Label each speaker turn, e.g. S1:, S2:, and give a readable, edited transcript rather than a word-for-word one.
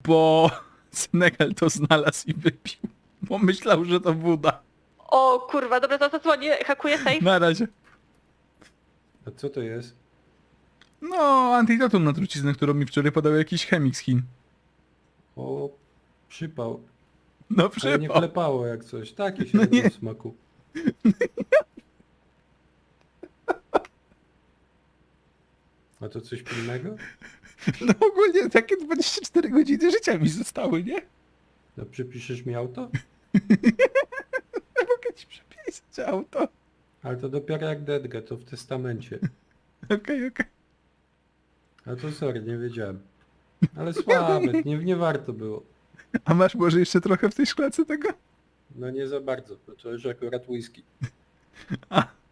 S1: bo Senegal to znalazł i wypił. Bo myślał, że to woda.
S2: O kurwa, dobra, to zadzwonię, hakuję safe.
S1: Na razie.
S3: A co to jest?
S1: No, antidotum na truciznę, którą mi wczoraj podał jakiś chemik z Chin.
S3: O, przypał.
S1: No
S3: Ale nie
S1: przypał.
S3: klepało jak coś. Taki
S1: No
S3: średnio
S1: nie.
S3: w smaku. A to coś pilnego?
S1: No ogólnie takie 24 godziny życia mi zostały, nie?
S3: No przypiszesz mi auto?
S1: Mogę ci przepisać auto.
S3: Ale to dopiero jak Dedgę, to w testamencie.
S1: Okej.
S3: A to sorry, nie wiedziałem. Ale słabe, nie warto było.
S1: A masz może jeszcze trochę w tej szklance tego?
S3: No nie za bardzo, bo to już akurat whisky.
S1: A,